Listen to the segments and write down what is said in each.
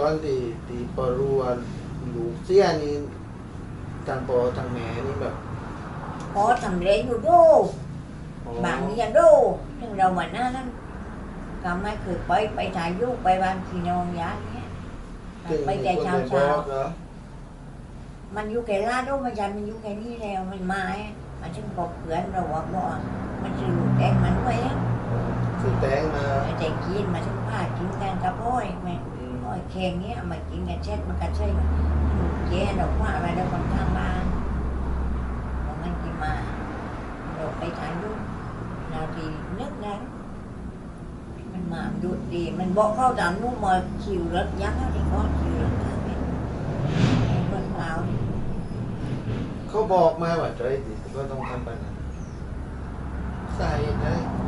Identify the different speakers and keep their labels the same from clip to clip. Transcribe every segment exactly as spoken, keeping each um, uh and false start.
Speaker 1: อนที่ที่พอรู้ว่าลูกเสียนี่ทางพ่อทางแม่นี่แบบ
Speaker 2: พอทำเรงอยู่ดูบางนี่ยังดูถึงเราเหมือนนั้นก็ไม่เคยไปไปถ่ายรูปไปบ้านพี่น้องยาเนี้ยไปแต่เช้าเช้ามันอยู่แค่ลาดูมันยันมันอยู่แค่นี้แล้วมันมามันถึงบอกเพื่อนเราว่าบ่มันจะลูกแดงมันไว้
Speaker 1: คือแตงมา
Speaker 2: แต่กินมาถึงผ้ากินกันกับอ้อยแม่อ้อยแข็งเนี้ยมากินกันเช็ดมันกันใช่เจ๊ดอกว่าอะไรเราคนข้างบ้านมันกินมาเราไปถ่ายรูปเราดีนึกนั้นมันมาดูดีมันบอกเข้าดำนุ่มมาคิวรถยักษ์ที่เขาคิวรถข้างเป็นรถเรา
Speaker 1: เขาบอกมาว่าใจดิก็ต้องทำไปนะใส่ใจ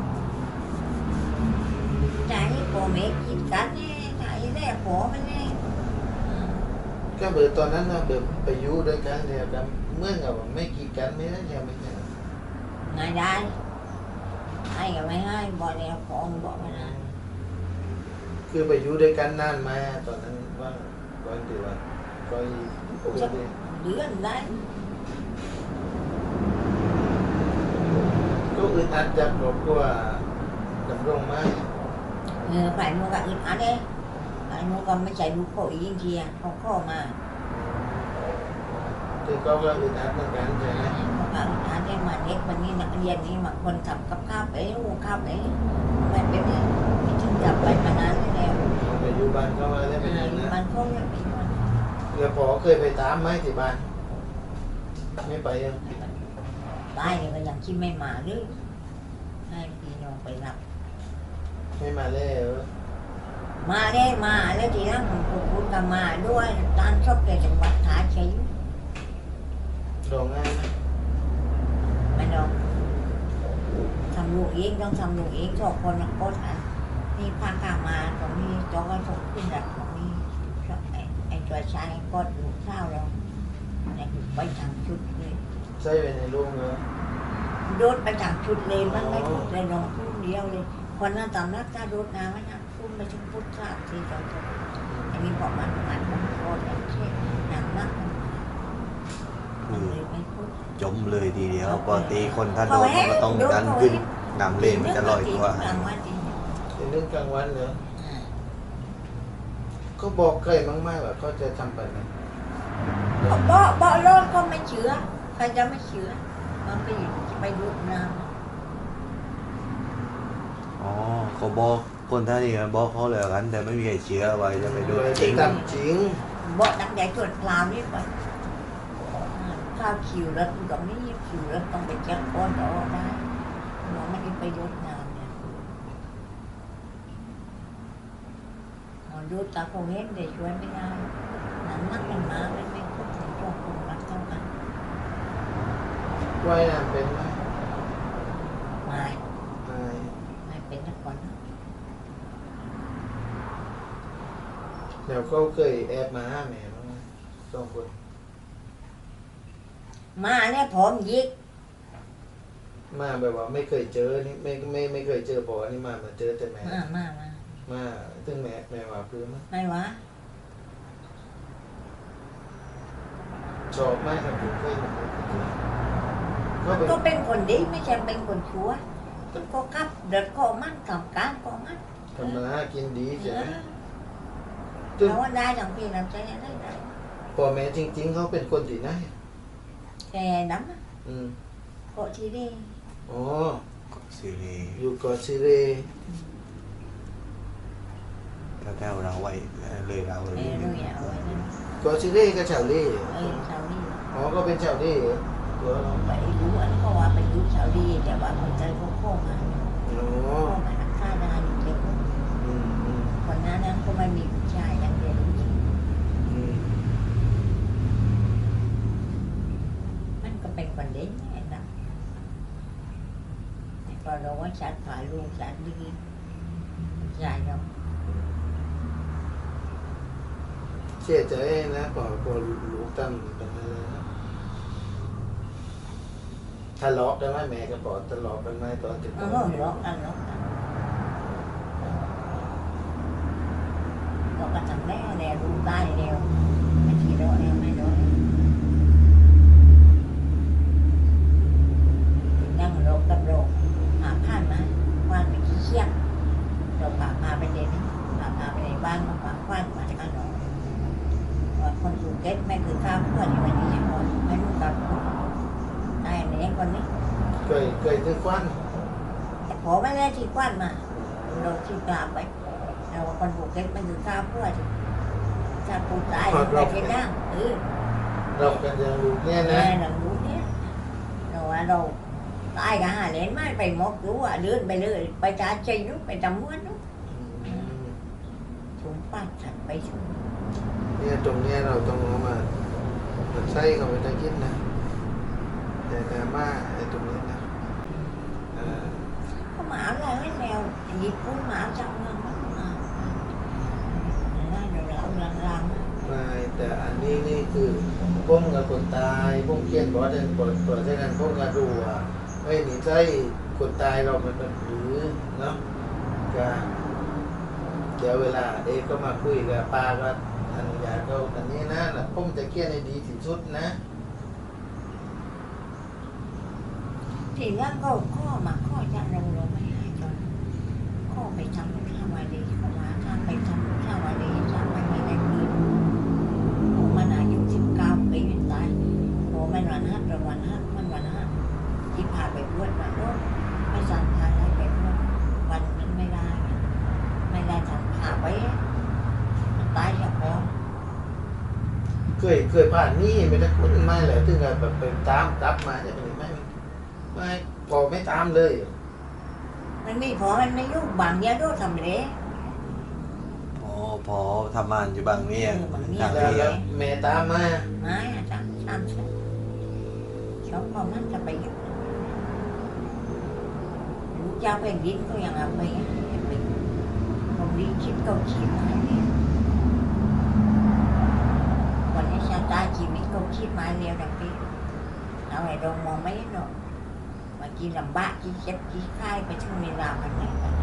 Speaker 2: ใจโปเมกินกันเนี่ยใจแรกโปมันเนี่ย
Speaker 1: ก็เบิดตอนนั้นนะเบิดไปอยู่ด้วยกันเนี่ยกันเมื่อกับไม่กีดกันไม่ได้ยังไม่ใช่
Speaker 2: ไงได้ให้กับไม่ให้บอกแล้วพองบอกไม่นาน
Speaker 1: คือไปอยู่ด้วยกันนานมาตอนนั้นว่าก่อนที่ว่าก็โอเค
Speaker 2: เดือนได้
Speaker 1: ก็อึดอัดจากครอบครัวดำรงมา
Speaker 2: เออphải mua gạo ít ăn đấy phải mua con mới chạy mua khổ ý kia không khổ mà
Speaker 1: คือก็ก็อึดอัดเหมือนกันใช่ไหม
Speaker 2: mua gạo ít ăn đấy mà nét mình như nặng dần đi màคนขับกับข้าวไปหูข้าวไปมันเป็นที่ถึงจับไปมานานแล้ว
Speaker 1: ไปอยู่บ้านเขามาได้เป็นยังไง
Speaker 2: มันเขาเนี่ยเป็นมัน
Speaker 1: เดี๋ยวพอเคยไปตามไหมที่บ้านไม่ไปยัง
Speaker 2: ตายเลยก็ยังคิดไม่มาหรือให้พี่น้องไปรับ
Speaker 1: ไม่มาเลยเหรอ
Speaker 2: มาได้มาแล้วทีนั้นผมพูดกับมาด้วยตานชอบแกจังหวัดขาชัย
Speaker 1: รองง่ายไหม
Speaker 2: ไม่น้องทำลูกเองต้องทำลูกเองสองคนละคนอ่ะนี่พากามาตรงนี้จอก็ส่งขึ้นดับตรงนี้ไอ้ไอ้ตัวชายก็ดูข้าวเราไอ้ไปทางชุดเลย
Speaker 1: ใช่ไปในโรงเหรอ
Speaker 2: โดดไปทางชุดเลยมันไม่พูดเลยน้องพูดเดียวเลยคนนั้นตำนักถ้าโดดน้ำไม่ทำพูดไปถึงพูดข้าวที่เราจะอันนี้บอกมันมันมันโคตรอย่างเช่นหนังนักมันเลยไม่พูด
Speaker 3: จมเลยทีเดียวปกติคนถ้าโดนมันก็ต้องดันขึ้นน้ำเล่นมันจะลอยตัว
Speaker 1: เป็นเรื่องกลางวันเหรอเขาบอกเคยมั้งไหมว่าเขาจะทำไปไหม
Speaker 2: บ่บ่รถก็ไม่เชื่อใครจะไม่เชื่อมันไปไปดูน้
Speaker 3: อ๋อเขาบอกคนท่านี่บอกเขาเลยกันแต่ไม่มีใครเชื่อว่าจะไปดูจริง
Speaker 1: ทำจริง
Speaker 2: ำบ่ดักใหญ่ส่วนคราวนี้ไปข้าวคิวรถตรงนี้คิวรถต้องไปจัดก้อนต่อได้เราไม่ได้ไปดูน้ำเนี่ยดูตาเขาเห็นแต่ช่วยไม่ได้น้ำนักมันมาไม่ไม่พูดถึงตัวคนรักเท่ากัน
Speaker 1: ว่ายน้ำเป็นไหม
Speaker 2: ไม่
Speaker 1: ไม่
Speaker 2: ไม่เป็นนักก่อนนะ
Speaker 1: เดี๋ยวเขาเคยแอบมาห้าแม่มั้งสองคน
Speaker 2: มาเนี่ยผมยิก
Speaker 1: มาแบบว่าไม่เคยเจอนี่ไม่ไม่ไม่เคยเจอพอนี่มามาเจอแต่แม่
Speaker 2: มามามา
Speaker 1: มาถึงแม่แม่ว่าพื้นมั้ง
Speaker 2: ไม่วะ
Speaker 1: ชอบมากครับผมเคยมาเขาเป็น
Speaker 2: ก็เป็นคนดีไม่ใช่เป็นคนชั่วก็ขับเดินก็มันทำการก็มัน
Speaker 1: ทำมาหากินดีใช่ไหม
Speaker 2: เราว่าได้ทั้งพี่น้ำใจได้ได้
Speaker 1: พ่อแม่จริงๆเขาเป็นคนที่ไหน
Speaker 2: แกดำ
Speaker 1: อืม
Speaker 2: ก็ที่นี่
Speaker 1: อ๋อ
Speaker 3: ซีรีส์
Speaker 1: อยู่เกาะซิเร
Speaker 3: แถวๆเราไว้เลยเราเลย
Speaker 2: เออรู้อย่างไรนั่น
Speaker 1: เกาะซิเรก็ชาวเล่
Speaker 2: เออชาวนี้
Speaker 1: อ๋อก็เป็นชาวเล่เหรอตัว
Speaker 2: ไปดูอันก็ว่าไปดูชาวดีแต่ว่าคนใจเขาโค้งมา
Speaker 1: อ๋อ
Speaker 2: โค้งมาฆ่าได้อยู่เด็ก
Speaker 1: อืมอืม
Speaker 2: คนนั้นนั้นก็ไม่มีผู้ชายยังเรียนรู้จริง
Speaker 1: อืม
Speaker 2: มันก็เป็นคนเด่นแน่นะก็เราว่าชัดฝ่ายลูกชัดดีใช่เรา
Speaker 1: เสียใจนะพอพอลูกตั้มเป็นอะไรนะทะเลาะกันไหมแม่กับพ่อทะเลาะกันไหมตอนติด
Speaker 2: เอ
Speaker 1: ต่อ
Speaker 2: อร้องกันร้องกันเราก็ทำแม่แล้เนี่ยรู้ได้เร็วไม่ทีโดนเร็วไม่โดนนั่งโรคกับโรคหาผ่านมาว่านไปขี้เชี่ยเราพาพาไปเด่นพาพาไปในบ้านมาพาคว้านมาจากกันหนอว่าคนภูเก็ตไม่คือข้าวเพื่อนวันนี้ยังคนไม่รู้กับได้เนี่ยคนนี้
Speaker 1: เคยเคยซื้อควัน
Speaker 2: แต่พอไม่ได้ที่คว้านมาเราที่กลับไปเราคนภูเก็ตไม่คือข้าวเพื่อนถ้าปูตายไปที่นั่งเออ
Speaker 1: เรากันยังรู้เนี่ย
Speaker 2: แม่
Speaker 1: นะ
Speaker 2: หนังรู้เนี่ยเราว่าเราตายกันหาเหรียญไม่ไปหมดรู้อ่ะเดินไปเลยไปจ่าใจนู้ไปจำม้วนนู้
Speaker 1: อืม
Speaker 2: ถุงป้าถัดไปถุง
Speaker 1: เนี่ยตรงเนี้ยเราต้องเอามามันใส่เข้าไปตะกินนะแต่แต่มาไอ้ตรงนี้นะเอ่อ
Speaker 2: ก็หมาอะไรไม่แมวหยิบปุ้นหมาจับเงินมาได้เดี๋ยวเราลังลัง
Speaker 1: ไม่แต่อันนี้นี่คือพ้มกับคนตายพ้มเขียนบอกว่าเดินเปิดเปิดใช้กันพ้มกับดูอ่ะไอ้นี่ใช่คนตายเรามันเป็นหรือเนาะก็เดี๋ยวเวลาเด็กก็มาคุยกับป้าก็อนุญาตเขาอันนี้นะนะพ้มจะเขียนให้ดีที่สุดนะ
Speaker 2: ทีแรกก็ข้อมาข้อจะลงลงไม่ให้จนข้อไปทำข้าววาดีเข้ามาข้าไปทำข้าววาดีข้าไปไม่ได้คืนผมมันอายุสิบเก้าปีเป็นตายโอ้มันวันฮัทระวันฮัทมันวันฮัทที่พาไปบวชมาโน้ตไม่สั่งพาให้ไปบวชวันมันไม่ได้ไม่ได้สั่งพาไปมันตายจากพ่อ
Speaker 1: เคยเคยผ่านนี่ไม่ได้คุ้นไม่เลยถึงกับแบบไปตามกลับมาจะเป็นไม่ไม่พอไม่ตามเลย
Speaker 2: มันไม่พอมันไม่ยุ่งบางเยอะด้วยทำเลย
Speaker 3: อ๋อพอทำงานอยู่บางเมียง
Speaker 2: เออบางเมียง
Speaker 3: ทาง
Speaker 1: แล้ว
Speaker 3: นี้
Speaker 1: แล้วแม่ตามมา
Speaker 2: ไม่อะตามตามฉันเขาบอกมันจะไปยุ่งลูกเจ้าเป็นดินก็ยังเอาไปไปคนดีคิดก็คิดอะไรเนี่ยวันนี้ชาตาชีวิตก็คิดมาเร็วดังปีเอาไอ้ดงมองไม่หนอกมากินลำบากกินเจ็บกินไข้ไปถึงเวลามันไหนกัน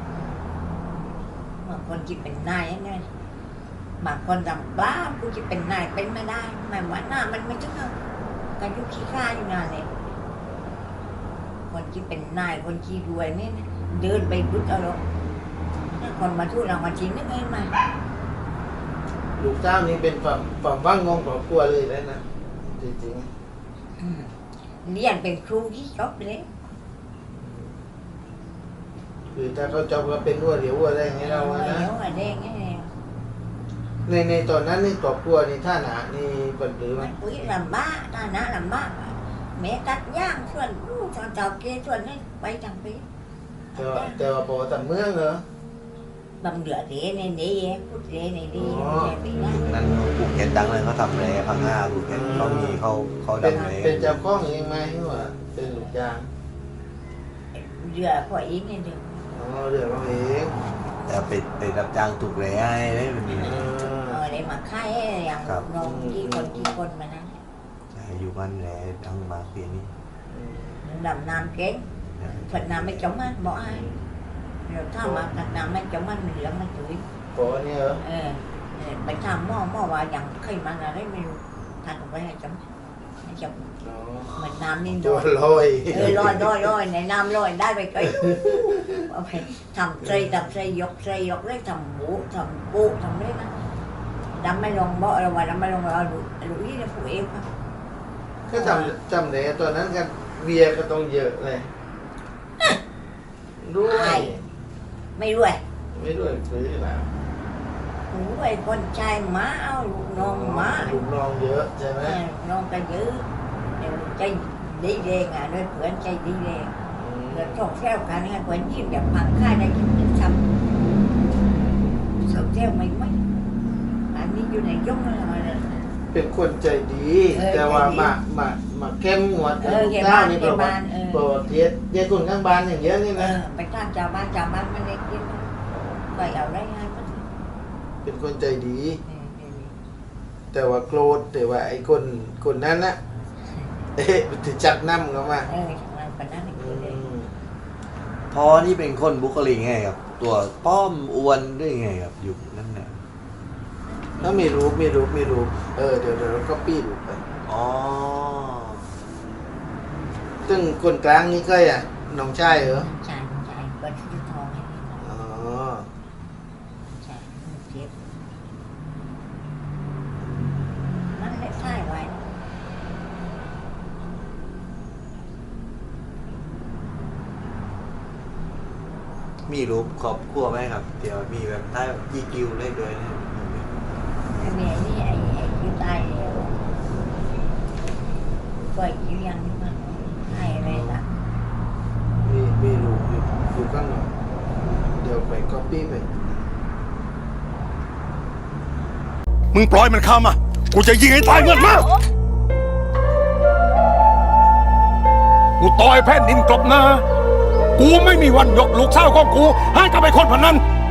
Speaker 2: บางคนกินเป็นนายเนี่ยบางคนลำบากกูจะเป็นนายเป็นไม่ได้หมายว่าหน้ามันไม่ถึงการยุขี้ข้าอยู่นานเลยคนที่เป็นนายคนที่รวยเนี่ยเดินไปพุทธเอาหรอกถ้าคนมาทูดเรามาทิ้งนึกไงมา
Speaker 1: ลูกเจ้านี่เป็นความความว่างงงของครัวเลยแล้วนะจริง
Speaker 2: อืมเรียนเป็นครูที่จบเลย
Speaker 1: ๆคือถ้าเขาจบก็เป็นวัวเดี๋ยววัวอะไรอย่างเงี้ยเราอะนะ
Speaker 2: เดี๋ยวอะแดงไง
Speaker 1: ในในตอนนั้นนี่ครอบครัวนี่ท่าหนานี่เป็นหรือไหม
Speaker 2: มันปุ๋ยลำบากฐานะลำบากอะแม่ตัดย่างส่วนลูกชาวเจ้าเกส่วนให้ไปทางปี
Speaker 1: แต่ว่าแต่ว่าพอทำเมืองเหรอบ
Speaker 2: ำเดือดเดในเดย์พุทธเดในเดย์ไม่ใช่ปีนั้น
Speaker 3: นั่นภูเก็ตดังเลยเขาทำแร่พังงาภูเก็ตเขามีเขาเขา
Speaker 1: เป็น
Speaker 3: ดำเลย
Speaker 1: เป็นเจ้าของเองไหมหรือว่าเป็นลูกจ้าง
Speaker 2: เดือดพออีกนิดเดียว
Speaker 1: อ๋อเดือดเราเอง
Speaker 3: แต่ไปไปรับจ้างถูกแร่ให้ได้มันมี
Speaker 1: เอ
Speaker 2: เอ
Speaker 1: อ
Speaker 2: อได้มาค่ายอย่าง
Speaker 3: ครับ
Speaker 2: นมกี่คนกี่คนมานั้น
Speaker 3: ใช่อยู่บ้านแร่ดังมากปีนี้
Speaker 2: ดำน้ำเก่งผัดน้ำไม่จมมันบอกไอ้เราถ้ามาผัดน้ำไม่จมมันเหลืองมันตุ๋ย
Speaker 1: พอเนี่ยเหรอ
Speaker 2: เออเออไปทำหม้อหม้อว่าอย่างเคยมันอะไรไม่รู้ทานออกไปให้จมให้จม
Speaker 1: อ๋อ
Speaker 2: เหมือนน้ำนี่
Speaker 1: ตั
Speaker 2: ล
Speaker 1: ว
Speaker 2: อย
Speaker 1: ลอย
Speaker 2: เออลอยลอยลอยในน้ำลอยได้ไปไกลเอาไปทำใจทำใจยกใจยกได้ทำหมูทำปูทำได้นะดำไม่ลงบ่เราว่าดำไม่ลงเราดูดูนี่นะผู้เอฟ
Speaker 1: ก็จำจำเลยตอนนั้นกันเวียก็ต้องเยอะเลยด้วย
Speaker 2: ไม่รวย
Speaker 1: ไม่ด้วยซื้อแล้ว
Speaker 2: หนูไอ้คนชายหมาเอาลูกน้องหมา
Speaker 1: ลูกน้องเยอะใช่ไหม
Speaker 2: เออน้องก็ยื้อเดี๋ยวใจดีแดงอ่ะด้วยเพื่อนใจดีแดง
Speaker 1: อืม
Speaker 2: เดี๋ยวชอบแซวกันให้เพื่อนยิ้มแบบพังค่ายได้ยิ้มเป็นช้ำชอบแซวไม่ไหมอันนี้อยู่ในยงอะไรเลย
Speaker 1: เป็นคนใจดี
Speaker 2: เออ
Speaker 1: แต่ว่า
Speaker 2: ใจดี
Speaker 1: มามามาเข้มงวด
Speaker 2: เออ
Speaker 1: ลูก
Speaker 2: แก
Speaker 1: เจ้า
Speaker 2: บ้าน
Speaker 1: นี่
Speaker 2: แก
Speaker 1: บอกว่า
Speaker 2: บ้านเออ
Speaker 1: บอกว่าเทียดเทียดคนข้างบ้านอย่างเงี้ยนี่
Speaker 2: เอ
Speaker 1: นะ
Speaker 2: อไปตามชาวบ้านชาวบ้านมันได้กินก็เอาได้ให้มัน
Speaker 1: เป็นคนใจดี
Speaker 2: เออเออ
Speaker 1: แต่ว่าโกรธแต่ว่าไอ้คนคนนั้นนะเอ๊ะถึงจัดน้ำเขามา
Speaker 2: เออทำงานปนั้น
Speaker 1: อื
Speaker 2: คือเลย
Speaker 1: ม
Speaker 3: พอนี่เป็นคนบุคลิกไงครับ ตัวป้อมอ้วนด้วยไงครับอยู่นั่นแหละ
Speaker 2: น
Speaker 1: ถ้ามีรูปมีรูปมีรูปเออเดี๋ยวเดี๋ยวเราก็ปี้รูปไป
Speaker 3: อ๋อ
Speaker 1: ซึ่งคนกลางนี่ก็อ่ะน้องชายเหรอ
Speaker 2: ใช่ใช่ก็ชื่อทองให้พี่น้อง
Speaker 1: อ๋อ
Speaker 2: ใช่เจ็บมันได้ท่ายไว้
Speaker 3: มีรูปครอบครัวไหมครับ เดี๋ยวมีแบบได้แบบยีกิวได้ด้วยนะ
Speaker 2: ไอ้เมียนี่ไอ้ไอ้คิวตายแล้วปล่อยคิวยังนี่มันให้อะไรละ
Speaker 1: มีมีรูปอยู่อยู่ข้างหลังเดี๋ยวไปก็ปี้ไป
Speaker 4: มึงปล่อยมันเข้ามา กูจะยิงให้ตายเงินมา กูต่อยแผ่นดินกลบหน้า กูไม่มีวันยกลูกสาวของกูให้กับไอ้คนพนัน